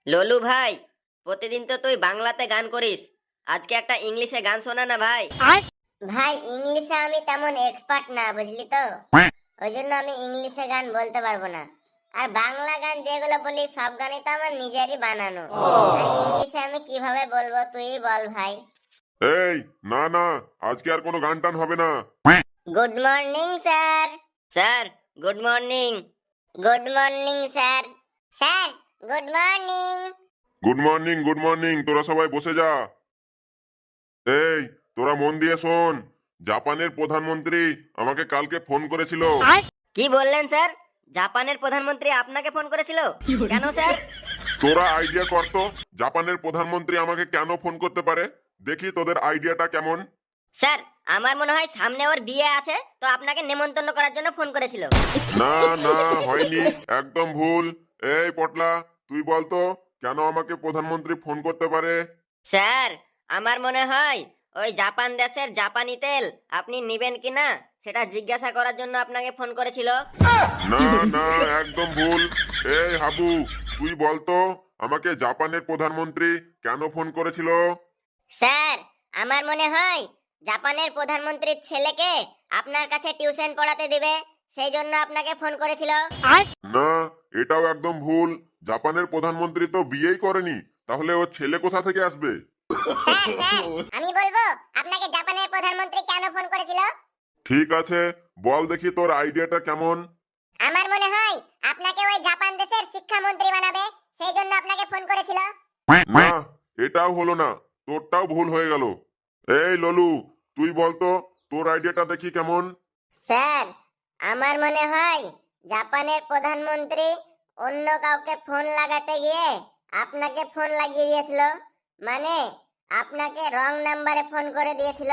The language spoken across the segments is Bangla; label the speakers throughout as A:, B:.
A: ললু ভাই, প্রতিদিন তো তুই বাংলাতে গান করিস, আজকে একটা ইংলিশে গান শোনা না ভাই।
B: ভাই ইংলিশে আমি তেমন এক্সপার্ট না, বুঝলি তো। ওই জন্য আমি ইংলিশে গান বলতে পারবো না। আর বাংলা গান যেগুলো বলি সব গানই তো আমার নিজেরই বানানো। আর ইংলিশে আমি কিভাবে বলবো তুই বল ভাই।
C: এই, না না, আজকে আর কোনো গান টান হবে না।
B: Good morning sir.
A: Sir good morning.
B: Good morning sir. Sir good morning.
C: Good morning, good morning, তোরা সবাই বসে যা। এই, তোরা মন দিয়ে শোন। জাপানের প্রধানমন্ত্রী আমাকে কালকে ফোন করেছিল।
A: কি বললেন স্যার? জাপানের প্রধানমন্ত্রী আপনাকে ফোন করেছিল? কেন স্যার?
C: তোরা আইডিয়া কর তো, জাপানের প্রধানমন্ত্রী আমাকে কেন ফোন করতে পারে। দেখি তোদের আইডিয়াটা কেমন।
A: স্যার, আমার মনে হয় সামনে ওর বিয়ে আছে, তো আপনাকে নেমন্তন্ন করার জন্য ফোন করেছিল।
C: না না, হয়নি, একদম ভুল। এই পটলা, তুই বলতো কেন আমাকে প্রধানমন্ত্রী ফোন করতে পারে।
A: স্যার, আমার মনে হয় ওই জাপান দেশের জাপানি তেল আপনি নিবেন কিনা সেটা জিজ্ঞাসা করার জন্য আপনাকে ফোন করেছিল।
C: না না, একদম ভুল। এই হাবু, তুই বলতো আমাকে জাপানের প্রধানমন্ত্রী কেন ফোন করেছিল।
B: স্যার, আমার মনে হয় জাপানের প্রধানমন্ত্রীর ছেলেকে আপনার কাছে টিউশন পড়াতে দিবে, সেই জন্য আপনাকে ফোন করেছিল।
C: না, এটাও একদম ভুল। জাপানের প্রধানমন্ত্রী তো বিয়েই করেনি, তাহলে ওর ছেলে কোথা থেকে আসবে।
B: স্যার স্যার, আমি বলবো আপনাকে জাপানের প্রধানমন্ত্রী কেন ফোন করেছিল।
C: ঠিক আছে, বল দেখি তোর আইডিয়াটা কেমন।
B: আমার মনে হয় আপনাকে ওই জাপান দেশের শিক্ষামন্ত্রী বানাবে, সেই জন্য আপনাকে ফোন করেছিল।
C: না, এটাও হলো না, তোরটাও ভুল হয়ে গেল। এই ললু, তুই বলতো তোর আইডিয়াটা দেখি কেমন।
B: স্যার, আমার মনে হয় জাপানের প্রধানমন্ত্রী অন্য কাউকে ফোন লাগাতে গিয়ে আপনাকে ফোন লাগিয়ে দিয়েছিল, মানে আপনাকে রং নাম্বারে ফোন করে দিয়েছিল।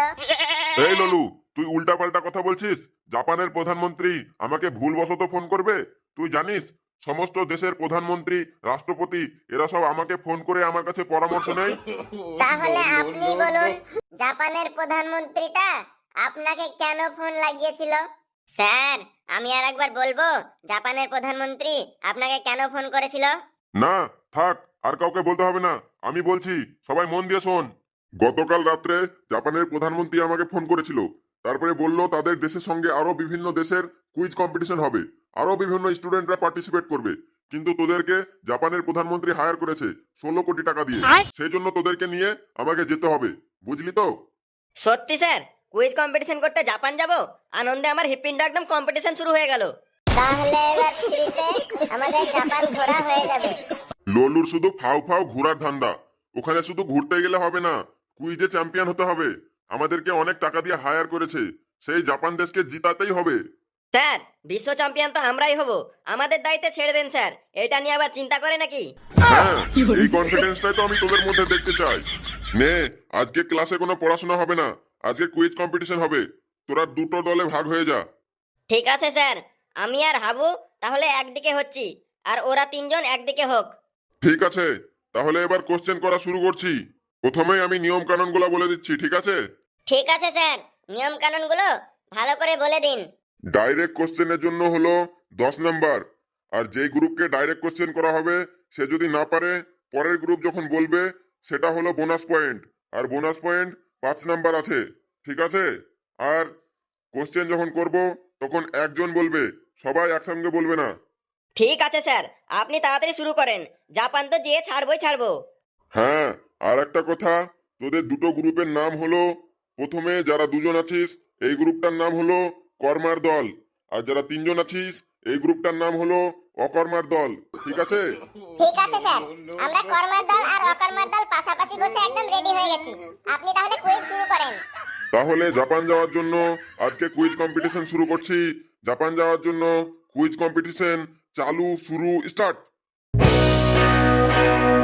C: এই ললু, তুই উল্টাপাল্টা কথা বলছিস। জাপানের প্রধানমন্ত্রী আমাকে ভুলবশত ফোন করবে? তুই জানিস সমস্ত দেশের প্রধানমন্ত্রী, রাষ্ট্রপতি এরা সব আমাকে ফোন করে আমার কাছে পরামর্শ নেয়।
B: তাহলে আপনি বলুন, জাপানের প্রধানমন্ত্রীটা আপনাকে কেন ফোন লাগিয়েছিল। স্যার, আমি আর একবার বলবো জাপানের প্রধানমন্ত্রী আপনাকে কেন ফোন করেছিল।
C: না, থাক, আর কাউকে বলতে হবে না, আমি বলছি, সবাই মন দিয়ে শোন। গতকাল রাত্রে জাপানের প্রধানমন্ত্রী আমাকে ফোন করেছিল। তারপরে বলল তাদের দেশের সঙ্গে আরো বিভিন্ন দেশের কুইজ কম্পিটিশন হবে, আরো বিভিন্ন স্টুডেন্টরা পার্টিসিপেট করবে। কিন্তু তোদেরকে জাপানের প্রধানমন্ত্রী হায়ার করেছে 16 কোটি টাকা দিয়ে। সেই জন্য তোদেরকে নিয়ে আমাকে যেতে হবে, বুঝলি তো।
A: সত্যি স্যার? কুইজ কম্পিটিশন করতে জাপান যাব? আনন্দে আমার হৃৎপিণ্ড একদম কম্পিটিশন শুরু হয়ে গেল।
B: তাহলে এবার ফ্রিতে আমাদের জাপান ঘোরা হয়ে যাবে।
C: লল্লুর শুধু ফাও ফাও ঘোরার ধান্দা। ওখানে শুধু ঘুরতে গেলে হবে না, কুইজে চ্যাম্পিয়ন হতে হবে। আমাদেরকে অনেক টাকা দিয়ে হায়ার করেছে, সেই জাপান দেশকে জিতাতেই হবে।
A: স্যার, বিশ্ব চ্যাম্পিয়ন তো আমরাই হব, আমাদের দায়িত্বে ছেড়ে দেন স্যার, এটা নিয়ে আবার চিন্তা করে নাকি?
C: হ্যাঁ, এই কনফিডেন্সটাই তো আমি তোদের মধ্যে দেখতে চাই। নে, আজকে ক্লাসে কোনো পড়াশোনা হবে না, আজকে কুইজ কম্পিটিশন হবে। তোরা দুটো দলে ভাগ হয়ে যা।
A: ঠিক আছে স্যার, আমি আর হাবু তাহলে একদিকে হচ্ছি, আর ওরা তিনজন একদিকে হোক।
C: ঠিক আছে, তাহলে এবার কোশ্চেন করা শুরু করছি। প্রথমেই আমি নিয়ম কানুনগুলো বলে দিচ্ছি, ঠিক আছে।
B: ঠিক আছে স্যার, নিয়ম কানুনগুলো ভালো করে বলে দিন।
C: ডাইরেক্ট কোশ্চেনের জন্য হলো 10 নাম্বার। আর যেই গ্রুপকে ডাইরেক্ট কোশ্চেন করা হবে সে যদি না পারে, পরের গ্রুপ যখন বলবে সেটা হলো বোনাস পয়েন্ট। আর বোনাস পয়েন্ট 5 নাম্বার আছে, ঠিক আছে। আর কোশ্চেন যখন করব তখন একজন বলবে, সবাই একসঙ্গে বলবে না।
A: ঠিক আছে স্যার, আপনি তাড়াতাড়ি শুরু করেন, জাপান তো যেয়ে ছাড়বই ছাড়বো।
C: হ্যাঁ, আর একটা কথা, তোদের দুটো গ্রুপের নাম হলো, প্রথমে যারা দুজন আছিস এই গ্রুপটার নাম হলো কর্মার দল, আর যারা তিনজন আছিস এই গ্রুপটার নাম হলো অকর্মার দল, ঠিক আছে।
B: ঠিক আছে স্যার, আমরা কর্মার দল আর অকর্মার দল পাশাপাশি বসে একদম রেডি হয়ে গেছি। আপনি তাহলে কুইজ শুরু করেন।
C: তাহলে জাপান যাওয়ার জন্য আজকে কুইজ কম্পিটিশন শুরু করছি। জাপান যাওয়ার জন্য কুইজ কম্পিটিশন চালু, শুরু, স্টার্ট।